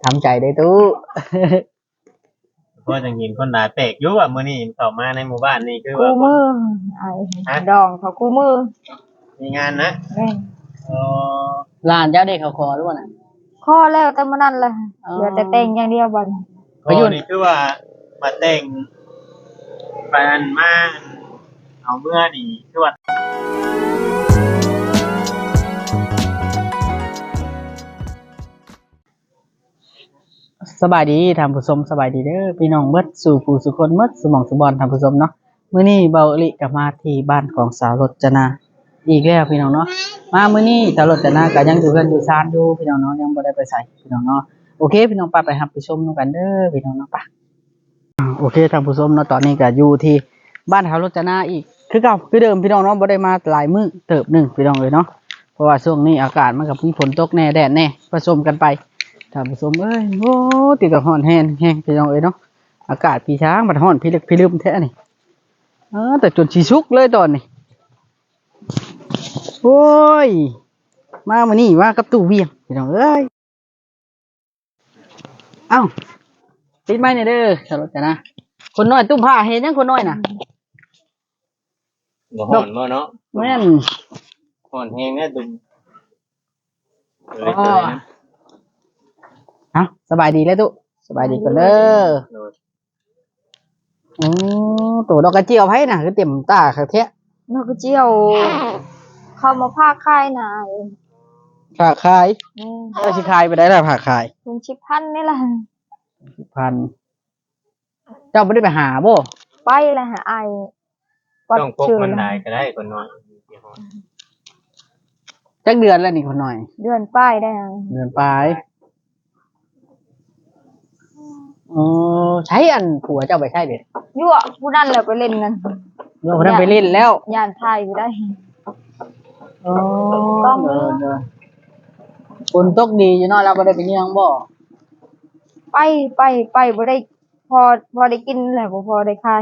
ทำใจได้ตู้เพราะจังยินคนหลายแปลกอยู่ว่ามื้อนี้เข้ามาในหมู่บ้านนี่คือกูว่ามือไอ้ดองเขากูมือมีงานนะแม่นอ๋อหลานเจ้าได้เขาคอหรือเปล่าน่ะข้อแล้วแต่มื้อนั้นแหละเหลือแต่แต่งอย่างเดียวบัดนี้ก็นี่คือว่ามาแต่งไปอันมาเอาเมื่อนี่คือว่าสบายดีท่านผู้ชมสบายดีเด้อพี่น้องเบิดสู่ผู้สุคนเบิดสมองสุบอลท่านผู้ชมเนาะมื้อนี้เบาอลิกลับมาที่บ้านของสาวรจนาอีกแล้วพี่น้องเนาะมามื้อนี้สาวรจนาก็ยังอยู่กันอยู่ซานอยู่พี่น้องเนาะยังบ่ได้ไปไสพี่น้องเนาะโอเคพี่น้องไปรับไปชมนำกันเด้อพี่น้องเนาะไปโอเคท่านผู้ชมเนาะตอนนี้ก็อยู่ที่บ้านสาวรจนาอีกคือเก่าคือเดิมพี่น้องเนาะบ่ได้มาหลายมื้อเติบหนึงพี่น้องเอ้ยเนาะเพราะว่าช่วงนี้อากาศมันก็มีฝนตกแน่แดดแน่ผสมกันไปท่านผู้ชมเอ้ยโอ้ติดกับฮ้อนแห้งพี่น้องเอ้ยเนาะอากาศพี่ช้างมันฮ้อนพี่ลึกพี่ลืมแท้นี่แต่จนสิสุกเลยตอนนี้โอ้ยมามื้อนี้มากับตู้เวียงพี่น้องเอ้ยเอ้าปิดไม้หน่อยเด้อสารจนะคนน้อยตุ้มผ้าเห็นยังคนน้อยน่ะบ่ฮ้อนบ่เนาะแม่นฮ้อนแฮงแน่ตุ่มสบายดีแล้วตุสบายดีกันเด้อโอ้ตัวดอกกระเจียวไผน่ะคือเต็มตาคักแท้นกกระเจียวเข้ามาพาค่ายนายผักขายสิขายไปได้ล่ะผักขายลุงชิพันนี่แหละพันเจ้าบ่ได้ไปหาบ่ไปเลยหาไอ้ต้องพกมันได้ก็ได้คนน้อยจักเดือนแล้วนี่คนน้อยเดือนป้ายได้เดือนปลายใช้อันผัวเจ้าไปใช้เบ็ดยั่วผู้นั่นแหละไปเล่นกันเราคนนั้นไปเล่นแล้วย่านไทยไปได้ต้องฝนตกดีอยู่เนาะเราบ่ได้ไปเยี่ยงบ่ไปบ่ได้พอได้กินแหละบ่พอได้ค่าย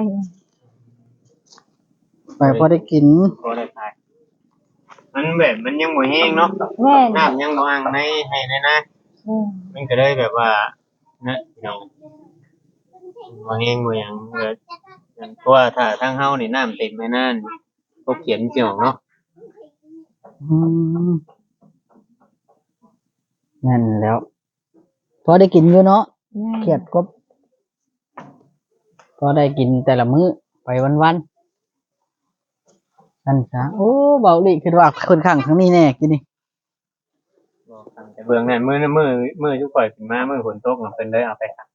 ไปพอได้กินพอได้ขายมันแบบมันยังบ่แห้งเนาะแม่นน้ำยังบ่อังในให้ในนะมันก็เลยแบบว่านะเนาะบ่แห้งบ่หยังเลยเพราะว่าถ้าทางเฮานี่น้ำเต็มแม่นั่นพวกเขียนเกี่ยวเนาะนั่นแล้วพอได้กินอยู่เนาะเครียดกบพอได้กินแต่ละมื้อไปวันๆนั่นซะโอ้เบาดิคือว่าคนข้างทั้งนี้แน่กินนี่แต่เบื้องนั้นมื้อทุกข่อยขึ้นมามื้อฝนตกเนาะเพิ่นเลยเอาไปครับ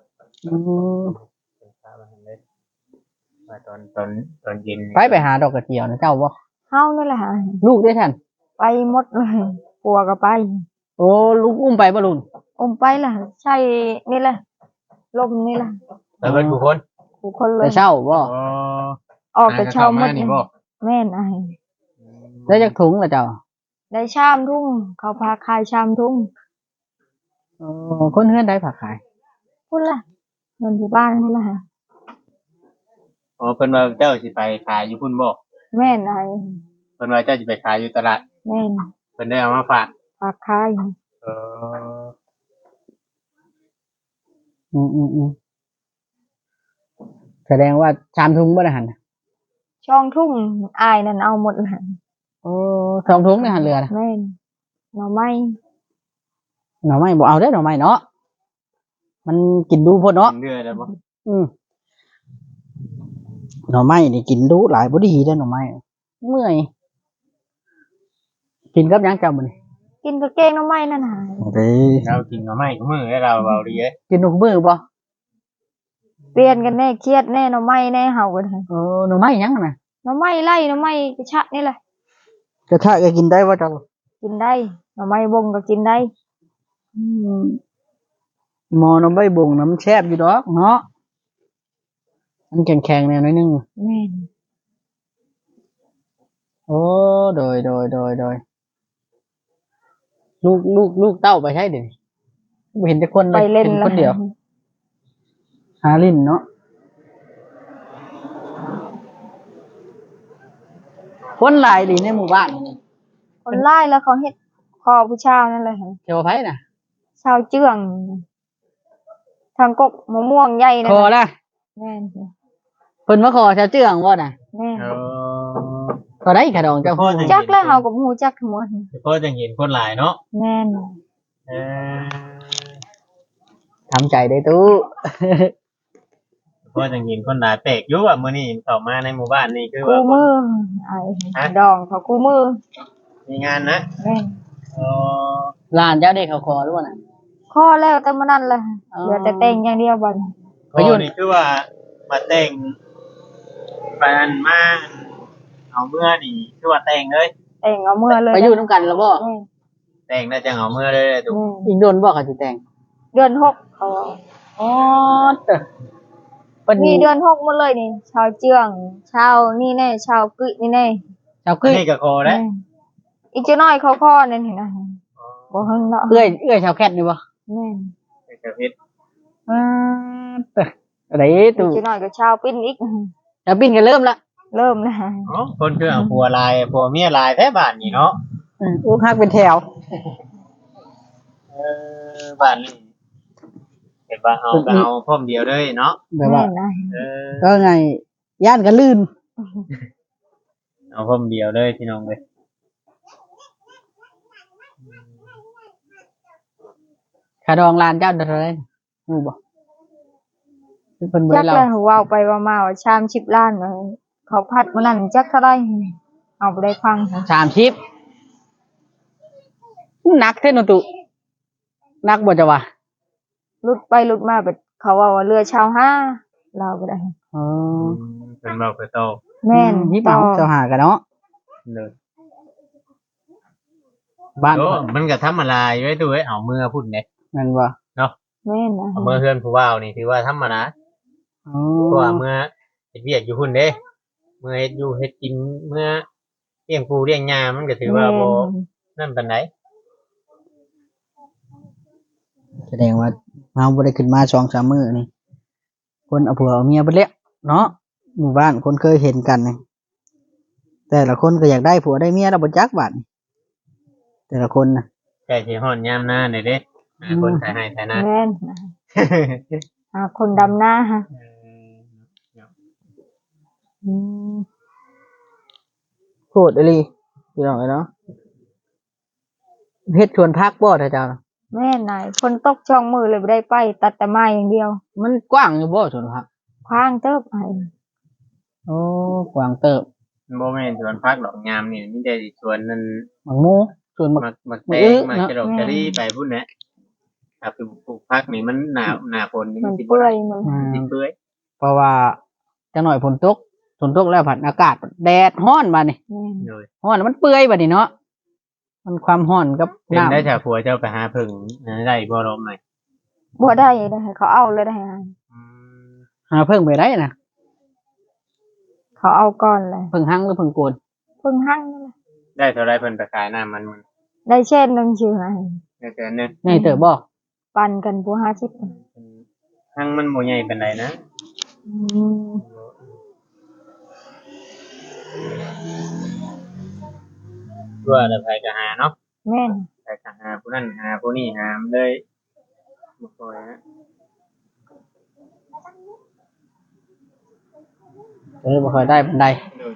ว่าตอนเย็นไปหาดอกกระเจียวนะเจ้าบ่เฮานี่แหละหาลูกได้ท่านไปหมดเลยปัวก็ไปโอ้ลูกอุ้มไปบ่ลุงไปล่ะใช่นี่แหละลมนี่แหละแล้วเพิ่นผู้คนผู้คนเลแต่ยเช้าบ่ออกแต่เช้าหมดแม่นไอ้ได้จักถุงล่ะเจ้าได้ชามทุ่งเขาพาขายชามทุ่งคนเฮือนได้ผักขายพุ่นล่ะเงินที่บ้านพุ่นล่ะอ๋อเพิ่นว่าเจ้าสิไปขายอยู่พุ่นบ่แม่นไอ้เพิ่นว่าเจ้าสิไปขายอยู่ตลาดแม่นเพิ่นได้เอามาฝากฝากขายเออแสดงว่าชามถุงบ่ได้หั่นช่องทุ่งอายนั่นเอาหมดเลยสองถุงในหั่นเรือนะแม่นหน่อไม้หน่อไม้บ่เอาเด้อหน่อไม้เนาะมันกินดูพุ่นเนาะเดือแล้วบ่หน่อไม้นี่กินดูหลายบ่ดีเด้อหน่อไม้เมื่อยกินกับหยังเจ้ามื้อนี้กินกระเกงหน่อไม้นั่นน่ะเด้เรากินหน่อไม้ทุกมื้อให้เราเบาดีเอ้ยกินทุกมื้อบ่เปลี่ยนกันแน่เครียดแน่หน่อไม้แน่เฮากันหน่อไม้หยังน่ะหน่อไม้ไล่หน่อไม้กระชะนี่แหละกระทะก็กินได้บ่เจ้ากินได้หน่อไม้บงก็กินได้หมอหน่อไม้บ่งน้ำแซ่บอยู่ดอกเนาะมันแข็งๆแน่หน่อยนึงแม่นโอ้โดยลูกเต้าไปใช่เดี๋ยวนี้บ่เห็นแต่คนไปเล่นห็คนเดียวหาลิ้นเนาะคนหลายดีในหมู่บ้านนี่คนไล่แล้วเขาเฮ็ดคอผู้ชาวนั่นแหละเจ้าไผน่ะชาวเจืองางกกมะม่วงใหญ่นะขอละแม่นเพิ่นมาขอชาวเจืองบ่น่ะแม่นเออก็ได้ขะดองเจ้าจักแล้วเฮาก็บ่ฮู้จักทั้งหมดเพราะจังเห็นคนหลายเนาะแม่นเออทำใจได้ตู้เพราะจังเห็นคนหลายแปลกอยู่ว่ามื้อนี้เข้ามาในหมู่บ้านนี่คือกูว่ามือไอ้ดองเขากูมือมีงานนะแม่นอ๋อหลานเจ้าได้เขาขอหรือบ่น่ะขอแล้วแต่มื้อนั้นแหละอ๋อเหลือแต่แต่งอย่างเดียวบัดนี้ไปอยู่นี่คือว่ามาแต่งปานมาเอาเมื่อนี่คือว่าแต่งเลยแต่งเอามือเลยไปอยู่นํกันแล้วบ่แม่นแต่งแล้วจังเอาเมื่อเลยถูกแม่นอีกโดนบ่เขาสิแต่งเดือนหกเขาว่าอ๋อเด้อเพิ่นมีเดือนหกหมดเลยนี่ ชาวเจืองชาวนี่แน่ชาวกึยนี่แน่เจ้าอัคืนอนี้ก็คอแล้วแม่นอีกจะน้อยเขาข้อนั่นเห็นนะบ่เฮิงเนาะเอื้อยชาวแคทนี่บ่แม่นกระเพชรเด้ออะไรอีตู้กจะน้อยก็ชาวปิ้นอีกชาวบินก็เริ่มละเริ่มนะอ๋อคนคือเอาผัวลายผัวเมียลายแท้บ้านนี่เนาะอู้ฮักเป็นแถวบ้านนี่เห็นว่าเอาก็เอาพร้อมเดียวเลยเนาะแบบว่าแม่นนะเออก็ไงย่านก็ลื่นเอาพร้อมเดียวเลยพี่น้องเลยขาดองลานเจ้าเท่าไหร่รู้บ่คือเพิ่นบ่จัได้กเล่าแล้วเว้าไปว่ามาว่าชาม10ล้านว่าเขาพัดมื้อนั้นจักเท่าไหร่เอาบ่ได้ฟังค่ะ 30หนักแท้เนาะตุหนักบ่จะว่าลุดไปลุดมาแบบเขาว่าว่าเรือชาวห้าเราบ่ได้อ๋อเป็นเราไปโตแม่นนี่ต่เปาอเจ้าหากันเนาะเลยบ้านโอ้มันก็ธรรมดาอยู่ไว้ตัวไว้เอามือพุ่นเนี่ยนั่นบ่แม่นนะเอามือเพื่อนผู้ว่าวนี่ถือว่าธรรมดาอ๋อเพราะว่าเมื่อเฮ็ดเวียกอยู่พุ่นเด้เมื่อเฮ็ดอยู่เฮ็ดกินเมื่อเลี้ยงปูเลี้ยงยามันก็ถือว่าบ่นั่นปานใดแสดงว่าเฮาบ่ได้ขึ้นมา2-3มื้อนี่คนเอาผัวเอาเมียเบิดแล้วเนาะหมู่บ้านคนเคยเห็นกันนี่แต่ละคนก็อยากได้ผัวได้เมียแล้วบ่จักบัดนี่แต่ละคนน่ะใกล้สิฮอดยามหน้านี่เด้คนขายให้ขายหน้าแม่นนะคนดำหน้าฮะอืมโหดอีหลีพี่น้องเอ้ยเนาะเฮ็ดชวนพักบ่ถ้าเจ้าน่ะแม่นนายฝนตกช่องมือเลยบ่ได้ไป ตัดแต่ไม้อย่างเดียวมันกว้างอยู่บ่ชวนพักคว้างเติบไอ้โอ้กว้างเติบบ่แม่นสวนพักดอกยามนี่มีแต่สวนนั่นหมักหมูชวนหมักมักแตงมักจะดอกจะรีไปพุ่นแหละถ้าปลูกพักนี่มันหน้าฝนนี่มัมันนสิบ่เปื่อได้ยมันสิเปื่อยเพราะว่าจังหน่อยฝนตกแล้วผัดอากาศแดดร้อนบัดนี่แม่นเลยร้อนแล้วมันเปื่อยบัดนี่เนาะมันความร้อนกับเป็นน้ำได้ถ้าผัวเจ้าไปหาผึ่งได้บ่ลมไหมบ่ได้ได้เขาเอาเลยได้หาเพิ่งไปได้นะเขาเอาก่อนเลยเพิ่งหั่งหรือเพิ่งโกนเพิ่งหั่งนั่นแหละได้เท่าไรเพิ่นไปขายน้ำมันได้เช่นหนึงชื่อไงได้แต่นึงไงเติบบ่ปันกันผู้50 หั่งมันบ่ใหญ่ปานใดนะอืมตัวละไปก็หาเนาะแม่นไปก็หาผู้นั้นหาผู้นี้หามเลยบ่ค่อยนะบ่ค่อยได้ปานใด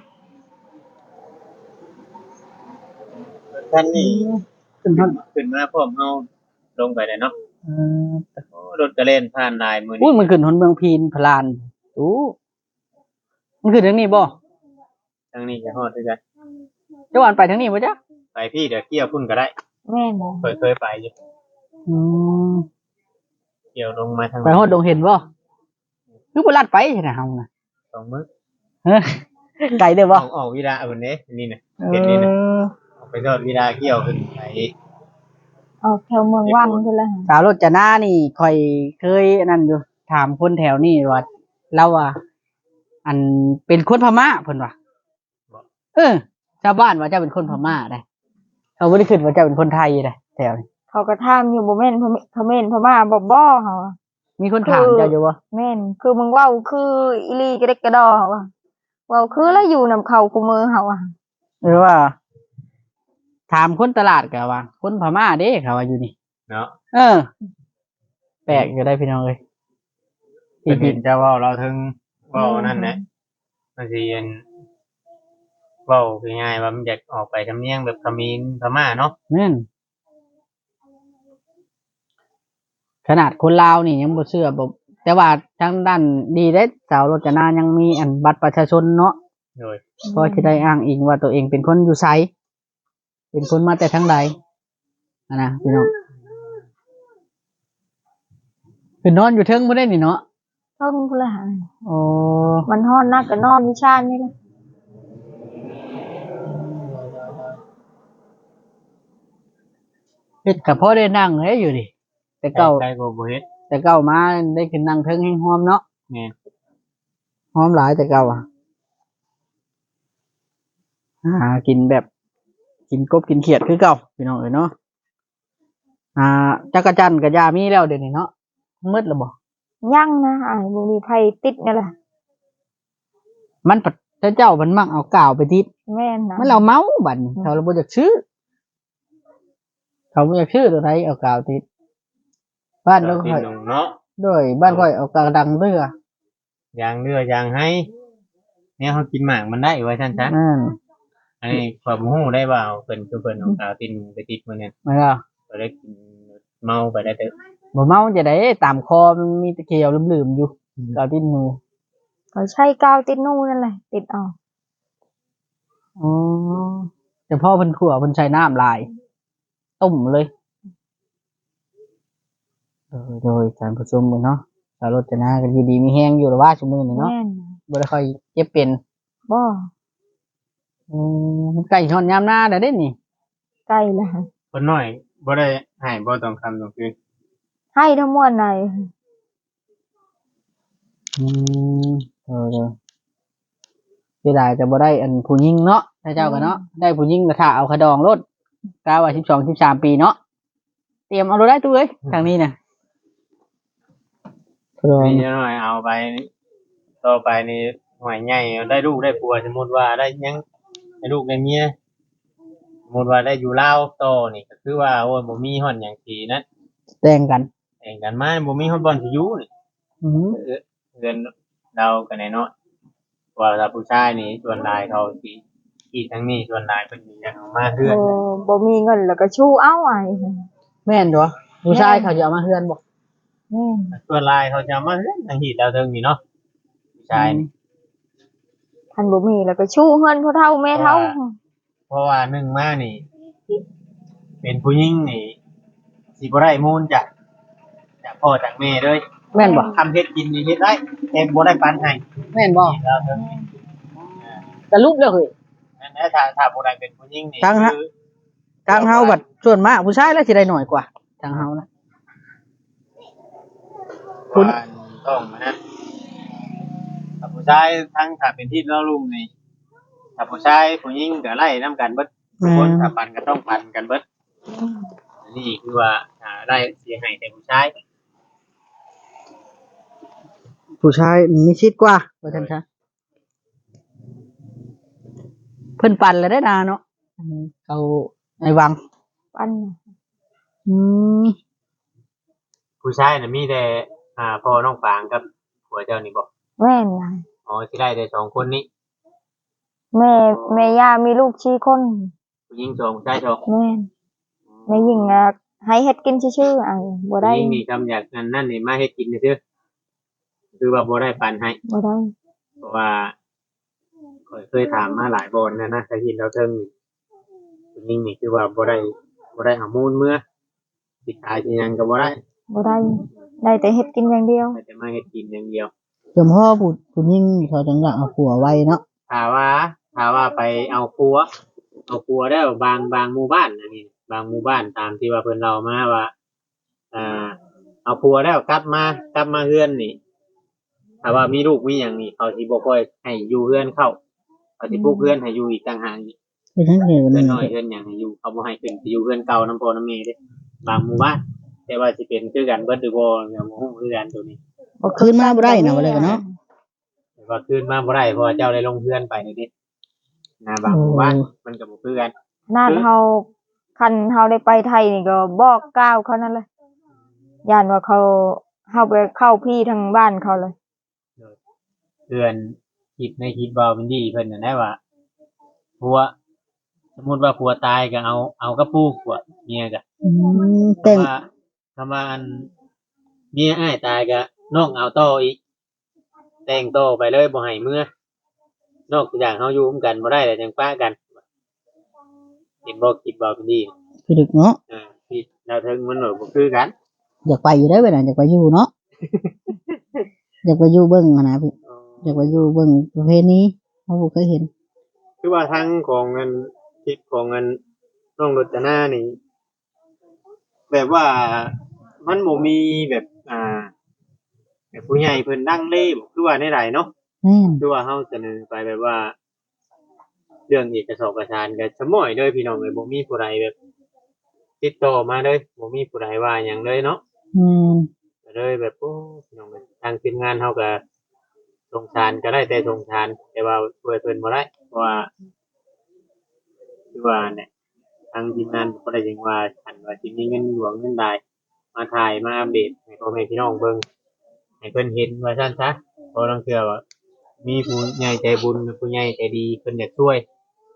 ท่านนี่ขึ้นฮอดขึ้นมาพร้อมเฮาลงไปเลยเนาะเอ่อโอ้รถก็เล่นผ่านลายมื้ออุ้นี้ยมันขึ้นฮอดเมืองพีนพลานอู้มันขึ้นทางนี้บ่ทางนี้จะฮอดคือกันเจ้าอันไปทางนี้บ่จ๊ะไปพี่เดี๋ยวเกี่ยวพุ่นก็ได้แม่นนะเคยไปอยู่อืมเกี่ยวลงมาทางไปฮอดดงเห็นบ่คือบ่ลัดไปใช่น่ะเฮาน่ะ 2มื้อเฮ้อไกลเด้อบ่ออกวิดาพุ่นเด้นี่น่ะเห็นนี่น่ะออกไปทอดวิดาเกี่ยวขึ้นไปเอาแถวเมืองวันพุ่นละสาวรถจนานี่ค่อยเคยอันนั่นอยู่ถามคนแถวนี้ว่าเราว่าอันเป็นคนพม่าเพิ่นว่าชาวบ้านว่าเจ้าเป็นคนพม่าได้เขาบ่ได้คิดว่าเจ้าเป็นคนไทยได้แถวนี้เขาก็ถามอยู่บ่แม่นเขม่นพม่าบ่เฮามีคนถามเจ้าอยู่บ่แม่นคือมึงเว้าคืออีหลีกระเด็กกระดอเฮาว่าเว้าคือแล้วอยู่นำเขาคุมือเฮาอ่ะหรือว่า ถามคนตลาดก็ว่า คนพม่าเด้เขาว่าอยู่นี่เนาะเออ แปลกอยู่ได้พี่น้องเอ้ยเห็นเจ้าเว้าเราถึงเว้านั่นแหละมันสิอันเว้าง่ายๆว่ามันอยากออกไปทำเนียงแบบเขมรพม่าเนาะแม่นขนาดคนลาวนี่ยังบ่เชื่อบ่แต่ว่าทางด้านดีเด้สาวรจนายังมีอันบัตรประชาชนเนาะโดยเพราะจะได้อ้างอิงว่าตัวเองเป็นคนอยู่ไสเป็นคนมาแต่ทางใดนะพี่น้องคือนอนอยู่เทิงบ่ได้นี่เนาะเพิ่งพุ่นละหาโอ้มันฮ้อนนักก็นอนวิชานี่แหละเฮ็ดก็พอได้นั่งเด้อยู่ดิแต่เก่าใกล้ๆก็บ่เฮ็ดแต่เก่ามาได้ขึ้นนั่งเทิงแห้งหอมเนาะแม่นหอมหลายแต่เก่าหากินแบบกินกบกินเขียดคือเก่าพี่น้องเอ้ยเนาะจักรจันทร์กับยามีแล้วเดี๋ยวนี้เนาะมืดแล้วบ่ยังนะบ่มีไผติดนี่แหละมันปัดแต่เจ้ามันมักเอากาวไปติดแม่นนะมันเราเมาบัดนี้เขาเราบ่อยากซื้อเขาบ่อยากซื้อตัวไทยเอากาวติดบ้านเราติดค่อยหนุ่มเนาะด้วยบ้านค่อยเอากาวดังเรือยางเรือยางให้เนี่ยเขากินหมากมันได้ไว้ท่านซะ อันนี้ความรู้ได้ว่าเพิ่นคือเพิ่นเอากาวตินไปติดมื้อนั้นไม่ล่ะก็ได้กินเมาไปได้เด้อบ่เมาจะได้ตามคอมันมีตะเกียวลืมๆอยู่กาวติดหนูเขาใช้กาวติดนู่นนั่นแหละติดเอาอ๋อแต่พ่อเพิ่นขั่วเพิ่นใช้น้ำลายต้มเลยโดยการผสมกันเนาะสารรจนากันดีๆมีแห้งอยู่หรือว่าชั่วโมงนี้เนาะแม่นบ่ได้ค่อยเจ็บเป็นบ่มันใกล้ช่อนยามหน้าแล้วเด้นี่ใกล้แล้วคนน้อยบ่ได้ให้บ่ต้องคำต้องคืนให้ทั้งมวลเลยอืมเสียดายแต่บ่ได้อันผู้หญิงเนาะถ้าเจ้ากันเนาะได้ผู้หญิงก็ถ้าเอาขะดองรถกาว่า12 13ปีเนาะเตรียมเอารถได้ตู้เอ้ยทางนี้น่ะขะดองนี่น้อยเอาไปต่อไปนี่หวยใหญ่ได้ลูกได้ผัวสมมุติว่าได้ยังได้ลูกได้เมียสมมุติว่าได้อยู่ลาวต่อนี่ก็คือว่าโอ้ยบ่มีฮ้อนหยังสินะแต่งกันแต่งกันมาบ่มีฮ้อนบ่อนสิอยู่นี่อือหือเงินเรากันแน่เนาะว่าถ้าผู้ชายนี่ส่วนหลายเขาสิอีทั้งนี้ส่วนหลายเพิ่นสิอยากเอามาเฮือนบ่มีเงินแล้วก็ชู้เอาแม่นตัวผู้ชายเขาจะเอามาเฮือนบ่แม่นส่วนหลายเขาจะเอามาเฮือนทางหีดดาวเทิงนี่เนาะผู้ชายนี่คันบ่มีแล้วก็ชู้เฮือนพ่อเฒ่าแม่เฒ่าเพราะว่าหนึ่งมานี่ เป็นผู้หญิงนี่สิบ่ได้มูลจากพ่อจากแม่เลยแม่นบ่ทำเฮ็ดกินนี่เฮ็ดได้แต่บ่ได้ปันให้แม่นบ่หีดดาวเทิงนี่สรุปแล้วเฮ้ยนั่นแหละถ้าบ่ได้เป็นผู้หญิงนี่ทางฮะคือทางเฮาบัดส่วนมากผู้ชายแล้วสิได้น้อยกว่าทางเฮานะ คุณว่าต้องนะถ้าผู้ชายทั้งถ้าเป็นที่เราลุ่มนี่ถ้าผู้ชายผู้หญิงก็ไล่นํกันเบิดทุกคนถ้าปันก็ต้องปันกันเบิดอันนี้คือว่าได้เสียให้แต่ผู้ชายผู้ชายมีชิดกว่าว่าท่านคะเพิ่นปั่นแล้วได้นาเนาะเขาในวังปันอืมผู้ชายน่ะมีแต่พ่อน้องฟางกับผัวเจ้านี่บ่แม่นนะอ๋อสิได้แต่สองคนนี้แม่ย่ามีลูก4คนผู้หญิงสองผู้ชายสองแม่นแม่หญิงอะให้เฮ็ดกินซื่อๆบ่ได้ผู้หญิงนี่ทำอยากนั่นนี่มาเฮ็ดกินซื่อๆคือว่าบ่ได้ปันให้บ่ได้เพราะว่าข้อยเคยถามมาหลายบอนนะถ้ากินเราเทิงนี่ผู้หญิงนี่คือว่าบ่ได้เอามูลเมื่อสิขายสิหยังก็บ่ได้บ่ได้ได้แต่เฮ็ดกินอย่างเดียวแต่มาเฮ็ดกินอย่างเดียวเดี๋ยวพ่อผู้หญิงเขาจังอยากเอาผัวไว้เนาะถ้าว่าไปเอาครัวได้บางหมู่บ้านอันนี้บางหมู่บ้านตามที่ว่าเพิ่นเล่ามาว่าเอาครัวแล้วกลับมาเฮือนนี่ถ้าว่ามีลูกมีหยังนี่เขาสิบ่ค่อยให้อยู่เฮือนเข้าเขาสิปลูกเฮือนให้อยู่อีกต่างหากอีกเป็นทั้งเหตุเฮือนนี่น้อยเฮือนหยังให้อยู่เขาบ่ให้ขึ้นไปอยู่เฮือนเก่าน้ำพ่อน้ำแม่เด้บางหมู่บ้านแต่ว่าสิเป็นคือกันเบิดหรือบ่ก็บ่ฮู้คือกันตัวนี้คืนมาบ่ได้นะว่าเลยกันเนาะแต่ว่าคืนมาบ่ได้เพราะว่าเจ้าได้ลงเฮือนไปนี่เด้บางหมู่บ้านมันก็บ่คือกันนั่นเฮาคันเฮาได้ไปไทยนี่ก็บอกกล่าวเขานั่นแหละย่านว่าเขาเฮาไปเข้าพี่ทางบ้านเขาเลยเตือนคิดในคิดเบาเป็นดีเพิ่นน่ะได้ว่าผัวสมมุติว่าผัวตายก็เอากระปูผัวเมียก็แต่งคำว่าอันเมียอ้ายตายก็น้องเอาต่ออีกแต่งต่อไปเลยบ่ให้เมื่อนอกจากเฮาอยู่ร่วมกันบ่ได้แต่จังป้ากันเห็นบ่คิดเบาเป็นดีพี่ดึกเนาะคิดดาวเทิงมันบ่คือกันอยากไปอยู่ได้อเวลาอยากไปอยู่เนาะ อยากไปอยู่เบิ่งอะนะพี่อยากไปอยู่เบิ่งประเพณีเขาบ่เคยเห็นคือว่าทางของเงินคิดของเงินน้องรจนานี่แบบว่ามันบ่มีแบบแบบผู้ใหญ่เพิ่นดังเล่บ่คือว่าในใดเนาะแม่นคือว่าเฮาเสนอไปแบบว่า เรื่องเอกสารก็สม้อยเด้อพี่น้องเอ้ยบ่มีผู้ใดแบบ ติดต่อมาเลยบ่มีผู้ใดว่าหยังเลยเนาะ ก็เลยแบบโอ้พี่น้องเอ้ยทางทีมงานเฮาก็สงสารก็ได้แต่สงสารแต่ว่าช่วยเพิ่นบ่ได้เพราะว่าคือว่าเนี่ยทางทีมงานบ่ได้หยังว่าคันว่าสิมีเงินหลวงเงินใดมาถ่ายมาอัปเดตให้พ่อแม่พี่น้องเบิ่งให้เพิ่นเห็นว่าซั่นซะเพราะลางเทื่อว่ามีผู้ใหญ่ใจบุญผู้ใหญ่ใจดีเพิ่นอยากช่วย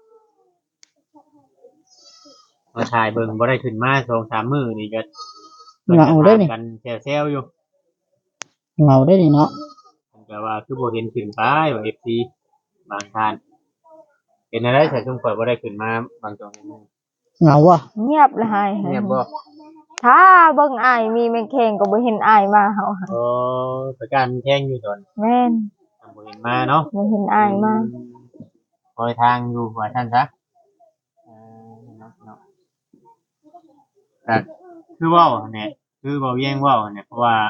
มาถ่ายเบิ่งบ่ได้ขึ้นมา 2-3 มื้อนี่ก็เพิ่นก็ถามกันแซวๆอยู่เราได้นี่เนาะผมก็ว่าคือบ่เห็นขึ้นไปว่า FC บางท่านเป็นอะไรใส่ซุ่มข่อยบ่ได้ขึ้นมาบางตรงนี้เหงาว่ะเงียบเลยหายเงียบบ่ถ้าเบิ่งอายมีแม่งแข่งก็บ่เห็นอายมาเฮาโอ้ประการแข่งอยู่ตอนแม่นบ่เห็นมาเนาะบ่เห็นอายมาคอยทางอยู่ว่าท่านซะเนาะก็คือเว้าเนี่ยคือเว้าแย่งเว้าเนี่ยเพราะว่า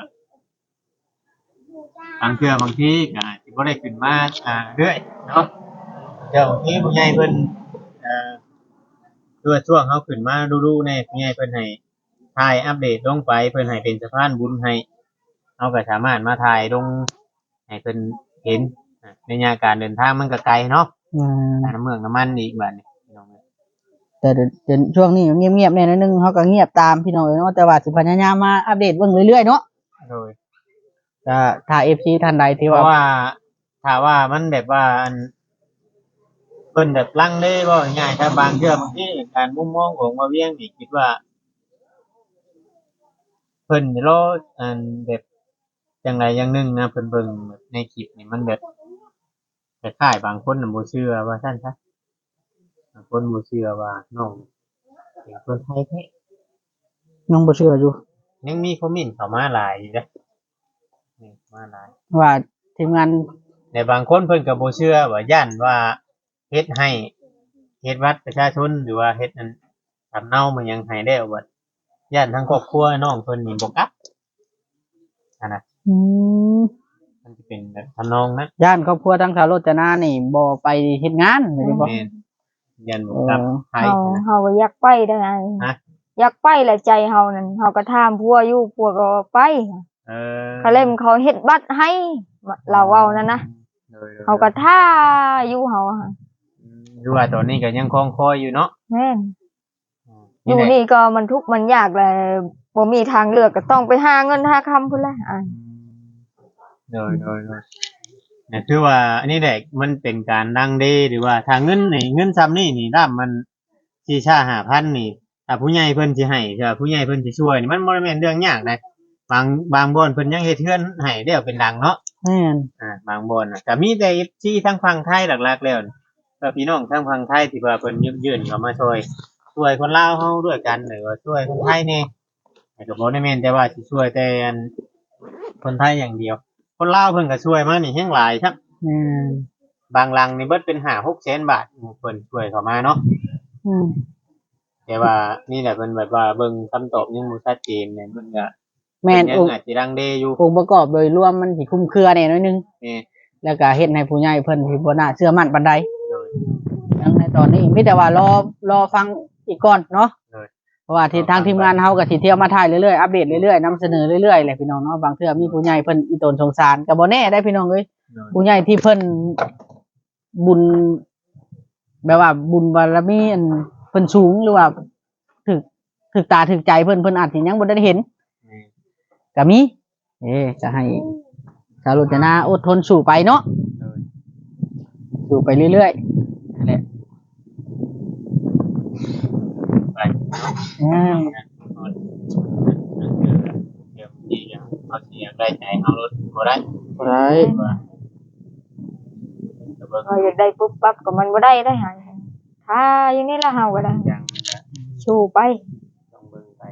บางเทื่อบางทีก็สิบ่ได้ขึ้นมาเรื่อยเนาะเดี๋ยวบางทีผู้ใหญ่เพิ่นคือว่าช่วงเฮาขึ้นมาดูๆแน่ผู้ใหญ่เพิ่นให้ถ่ายอัปเดตลงไปเพิ่นให้เป็นสะพานบุญให้เฮาก็สามารถมาถ่ายลงให้เพิ่นเห็นในยามการเดินทางมันก็ไกลเนาะน้ำเมืองน้ำมันอีกบัดนี้พี่น้องแต่เดี๋ยวช่วงนี้เงียบๆแน่นอนนึงเขาก็เงียบตามพี่น้องเนาะแต่ว่าสิพยายามมาอัปเดตเบิ่งเรื่อยๆเนาะโดยถ้า FC ท่านใดที่เพว่าราะว่าถ้าว่ามันแบบว่าอันเพิ่นแบบลังเลบ่ง่ายๆถ้าบางเทื่อบางทีการมุมมองของบ่าเวียงนี่คิดว่าเพิ่นรออันแบบจังไดอย่างหนึงนะเพิ่นเบิ่งแบบในคลิปนี่มันแบบคล้ายๆบางคนน่ะบ่เชื่อว่าซั่นซะบางคนบ่เชื่อว่าน้องเป็นคนไทยแท้น้องบ่เชื่ออยู่ยังมีคอมเมนต์เข้ามาหลายอยู่เด้อนี่มาหลายว่าทีมงานแต่บางคนเพิ่นก็บ่เชื่อว่าย่านว่าเฮ็ดให้เฮ็ดบัตรประชาชนหรือว่าเฮ็ดอันสำเนามันยังให้แล้วบัดย่านทั้งครอบครัวน้องเพิ่นนี่บ่กลับอันน่ะอืมมันสิเป็นแบบทำนองนั้นย่านครอบครัวทั้งชาวโรจนานี่บ่ไปเฮ็ดงานแม่นบ่แม่นย่านบ่กลับไทยเฮานะเฮาก็อยากไปได้ไงฮะอยากไปแหละใจเฮานั่นเฮาก็ถามผัวอยู่ผัวก็ไปเออเขาเล่มเขาเฮ็ดบัตรให้เราเว้านั่นนะโดยเฮาก็ท่าอยู่เฮาอะดูว่าตอนนี้ก็ยังคงคอยอยู่เนาะแม่นอนี่ยู่แหละนี่ก็มันทุกข์มันยากแหละบ่มีทางเลือกก็ต้องไปหาเงินหาคำพุ่นแหละอ่ะโดยเนี่ยคือว่าอันนี้แหละมันเป็นการดังเดหรือว่าถ้าเงินนี่เงินซ้ำนี่นี่ด้ามมันสี่ชา5,000นี่ถ้าผู้ใหญ่เพิ่นสิให้ถ้าผู้ใหญ่เพิ่นสิช่วยนี่มันบ่ได้แม่นเรื่องยากนะบางบ่อนเพิ่นยังเฮ็ดเทือนให้แล้วเป็นดังเนาะแม่นบางบ่อนน่ะก็มีแต่ FC ทางฝั่งไทยหลักๆแล้วนี่ก็พี่น้องทางฝั่งไทยที่ว่าเพิ่นยื่นเข้ามาช่วยคนลาวเฮาด้วยกันหรือว่าช่วยคนไทยแน่แต่ก็บ่ได้แม่นแต่ว่าสิช่วยแต่อันคนไทยอย่างเดียว คนลาวเพิ่นก็ช่วยมานี่แฮงหลายครับแม่นบางลังนี่เบิดเป็น5-6 แสนบาทเพิ่นช่วยเข้ามาเนาะอืมแต่ว่านี่แหละเพิ่นแบบว่าเบิ่งคำตอบยังบ่ชัดเจนเนี่ยเพิ่นก็แม่นยัองงค์อาจสิรังเลอยู่องค์ประกอบโดยรวมมันสิคลุมเครือแน่น้อยนึงแม่แล้วก็เฮ็ดให้ผู้ใหญ่เพิ่นที่บ่น่าเชื่อมั่นปานใดโดยดังในตอนนี้มีแต่ว่ารอฟังอีกก่อนเนาะเลยเพราะว่าที่ทางทีมงานเฮาก็สิเที่ยวมาถ่ายเรื่อยๆอัปเดตเรื่อยๆนำเสนอเรื่อยๆแหละพี่น้องเนาะบางเทื่อมีผู้ใหญ่เพิ่นอีตนสงสารก็บ่แน่ได้พี่น้องเอ้ยโดยผู้ใหญ่ที่เพิ่นบุญแบบว่าบุญบารมีอันเพิ่นสูงหรือว่าถึกตาถึกใจเพิ่นอาจสิยังบ่ได้เห็นแม่ก็มีจะให้สาวรจนาอดทนสู้ไปเนาะโดยสู้ไปเรื่อยๆนั่นแหละไปอืมเดี๋ยวที่ยังเขาเสียได้ใจเอารถบ่ได้บ่ได้ว่าแต่เบิ่งเราอยากได้ปุ๊บปั๊บก็มันบ่ได้ได้หาถ้าอย่างนี้ละเฮาก็ได้ยังจะสู้ไปต้องเบิ่งไป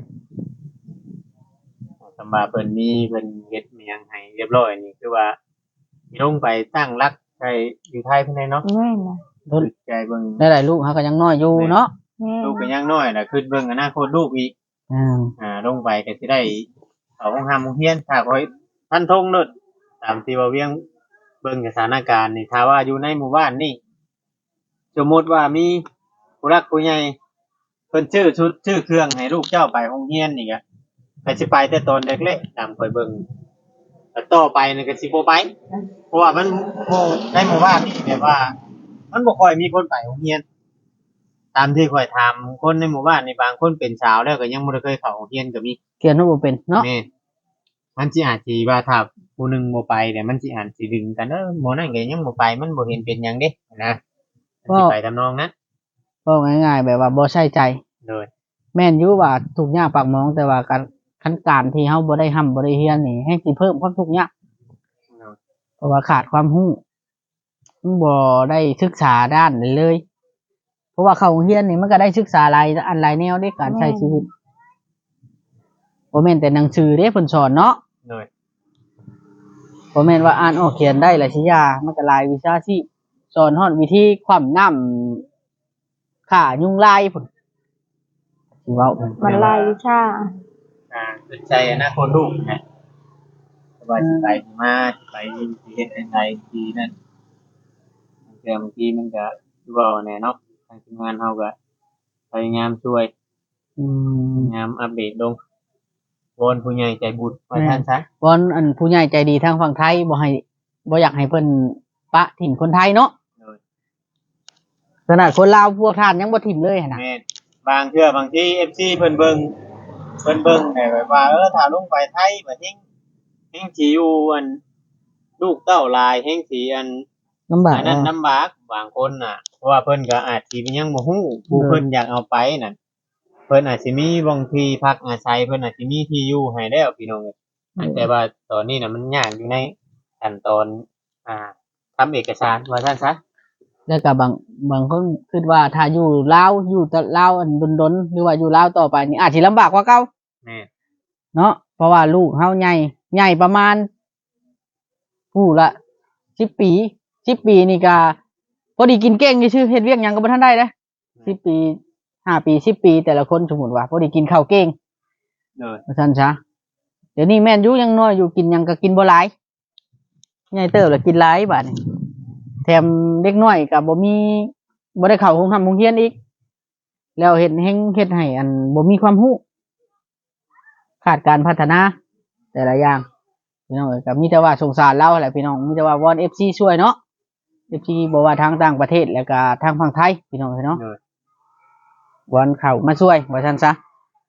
สำหรับเพิ่นมีเพิ่นเฮ็ดมีหยังให้เรียบร้อยนี่คือว่าลงไปตั้งรักใจอยู่ไทยเพิ่นได้เนาะแม่นนะคือใจเบิ่งได้หลายลูกเขาก็ยังน้อยอยู่เนาะแม่นลูกก็นะยังน้อยน่ะคือเบิ่งอนาคตลูกอีก ลงไปก็สิได้เอาโรงหามโรงเรียนถ้าคอยท่านทงเนิดตามที่ว่าเวียงเบิ่งสถานการณ์นี่ถ้าว่าอยู่ในหมู่บ้านนี่สมมติว่ามีผู้รักผู้ใหญ่เพิ่นชื่อชุดชื่อเครื่องให้ลูกเจ้าไปโรงเรียนนี่ก็สิไปแต่ตอนเด็กๆตามคอยเบิ่งแล้วต่อไปนี่ก็สิบ่ไปเพราะว่ามันในหมู่บ้านนี่แบบว่า มันบ่ค่อยมีคนไปโรงเรียน ตามที่ข่อยถามคนในหมู่บ้านนี่บางคนเป็นสาวแล้วก็ยังบ่ได้เคยเข้าโรงเรียนก็มีเขียนว่าบ่เป็นเนาะแม่นมันสิอาจสิว่าถ้าผู้หนึงบ่ไปเนี่ยมันสิอาจสิดึงกันหมู่นั้นก็ยังบ่ไปมันบ่เห็นเป็นหยังเด้นะมันสิไปทำนองนั้นก็ง่ายๆแบบว่าบ่ใช่ใจโดยแม่นอยู่ว่าทุกข์ยากปากหมองแต่ว่าการที่เฮาบ่ได้ร่ำบ่ได้เรียนนี่ให้สิเพิ่มความทุกข์ยากเพราะว่าขาดความรู้บ่ได้ศึกษาด้านนั้นเลย เพราะว่าเข้าโรงเรียนนี่มันก็ได้ศึกษาหลายอันหลายแนวในการใช้ชีวิตบ่แม่นแต่หนังสือเด้เพิ่นสอนเนาะโดยบ่แม่นว่าอ่านออกเขียนได้และสิยามันก็หลายวิชาชีพสอนฮอดวิธีคว่ำน้ำฆ่ายุงลายพุ่นสิเว้ามันหลายวิชาสนใจอนาคตลูกนะว่าสิไปสิมาสิไปสิเฮ็ดจังไดสินั่นบางทีมันก็คือเว้าแน่เนาะทางทีมงานเฮาก็พยายามช่วยอืมพยายามอัปเดตลงวอนผู้ใหญ่ใจบุญว่าท่านซะวอนอันผู้ใหญ่ใจดีทางฝั่งไทยบ่อยากให้เพิ่นปะถิ่มคนไทยเนาะโดยขนาดคนลาวพวกท่านยังบ่ถิ่มเลยหั่นน่ะแม่นบางเทื่อบางที FC เพิ่นเบิ่งแต่แบบว่าถ้าลงไปไทยบ่เฮงสิอยู่อันลูกเต้าหลายเฮงสิอันลำบากอันนั้นลำบากบางคนน่ะเพราะว่าเพิ่นก็อาจสิยังบ่ฮู้ผู้เพิ่นอยากเอาไปนั่นเพิ่นอาจสิมีบางทีพักอาศัยเพิ่นอาจสิมีที่อยู่ให้แล้วพี่น้องเอ้ยแต่ว่าตอนนี้น่ะมันยากอยู่ในขั้นตอนทำเอกสารว่าซั่นซะแล้วก็บางคนคิดว่าถ้าอยู่ลาวอยู่แต่ลาวอันดนๆหรือว่าอยู่ลาวต่อไปนี่อาจสิลำบากกว่าเก่าแม่นเนาะเพราะว่าลูกเฮาใหญ่ประมาณผู้ละ10 ปี10 ปีนี่ก็พอดีกินเก่งซื่อๆเฮ็ดเวียกหยังก็บ่ทันได้เด้10 ปี5 ปี10 ปีแต่ละคนสมมุติว่าพอดีกินข้าวเก่งโดยว่าซั่นซะเดี๋ยวนี้แม่นอยู่ยังน้อยอยู่กินหยังก็กินบ่หลายใหญ่เติบแล้วกินหลายบาดนี้แถมเด็กน้อยก็บ่ได้เข้าโรงเรียนอีกแล้วเฮ็ดให้อันบ่มีความรู้ขาดการพัฒนาแต่ละอย่างพี่น้องเอ้ยก็มีแต่ว่าสงสารเราแหละพี่น้องมีแต่ว่าวอน FC ช่วยเนาะ FC บ่ว่าทางต่างประเทศแล้วก็ทางฝั่งไทยพี่น้องเอ้ยเนาะโดยวอนเข้ามาช่วยว่าซั่นซะ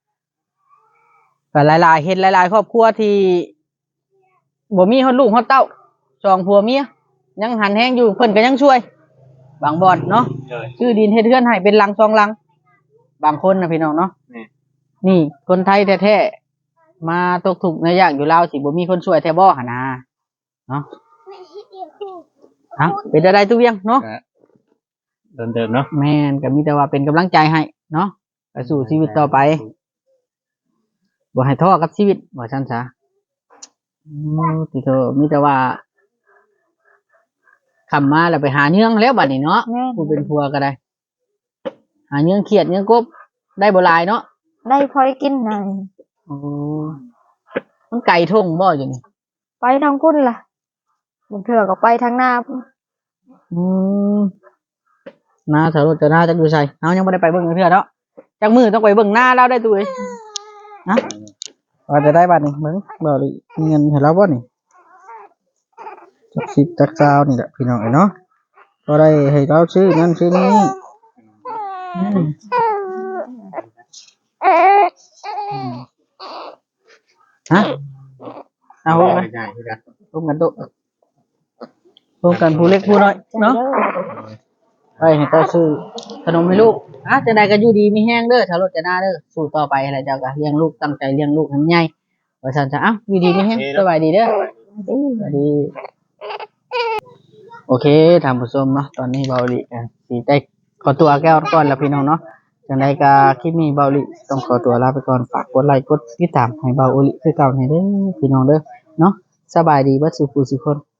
ก็หลายๆเฮ็ดหลายๆครอบครัวที่บ่มีฮอดลูกฮอดเต้าสองผัวเมียยังหันแฮงอยู่เพิ่นก็ยังช่วยบางบ่อนเนาะโดยชื่อดินเฮ็ดเรือนให้เป็นหลัง2หลังบางคนนะพี่น้องเนาะแม่นนี่คนไทยแท้ๆมาตกทุกข์ในยากอยู่ลาวสิบ่มีคนช่วยแท้บ่หั่นน่ะเนาะเป็นได้ตุเวียงเนาะเดิมๆเนาะแม่นก็มีแต่ว่าเป็นกำลังใจให้เนาะไปสู่ชีวิตต่อไปบ่ให้ท้อกับชีวิตว่าซั่นซะที่เธอมีแต่ว่าคำมาแล้วไปหาเนื้องแล้วบัดนี้เนาะแม่นผู้เป็นผัวก็ได้ หาเนื้องเขียดเนื้องกบได้บ่หลายเนาะได้พอได้กินหน่อยโอ้มันไก่ทงบ่อยู่นี่ไปทางคุณล่ะบางเทื่อก็ไปทางหน้าพุ่นอืมนาสาวรถจะน่าจะอยู่ใส่เอายังไม่ได้ไปเบิ่งเทื่อเนาะจากมือต้องไปเบิ่งหน้าเราได้ตัวเองนะว่าจะได้บัตรนี่เบิ่งบ่ดิมีเงินให้เราบ่นี่จักสิบจักซาวนี่แหละพี่น้องเอ้ยเนาะก็ได้ให้เราซื้อนั่นซื้อนี่อืมฮะเอาร่วมกันใช่คือกันร่วมกันโตะร่วมกันผู้เล็กผู้น้อยเนาะไปให้เจ้าซื้อขนมให้ลูกจังใดก็อยู่ดีมีแห้งเด้อชาวรถจะหน้าเด้อสู้ต่อไปอะไรเจ้าก็เลี้ยงลูกตั้งใจเลี้ยงลูกให้ใหญ่ว่าซั่นจ้ะอยู่ดีมีแห้งสบายดีเด้อสวัสดี โอเคท่านผู้ชมเนาะตอนนี้เบาหลีสีได้ขอตัวแก้วก่อนแล้วพี่น้องเนาะจังใดก็คลิปนี้เบาหลีต้องขอตัวลาไปก่อนฝากกดไลค์กดติดตามให้เบาหลีคือเก่าให้เด้อพี่น้องเด้อเนาะสบายดีเบิดสุขสุขคน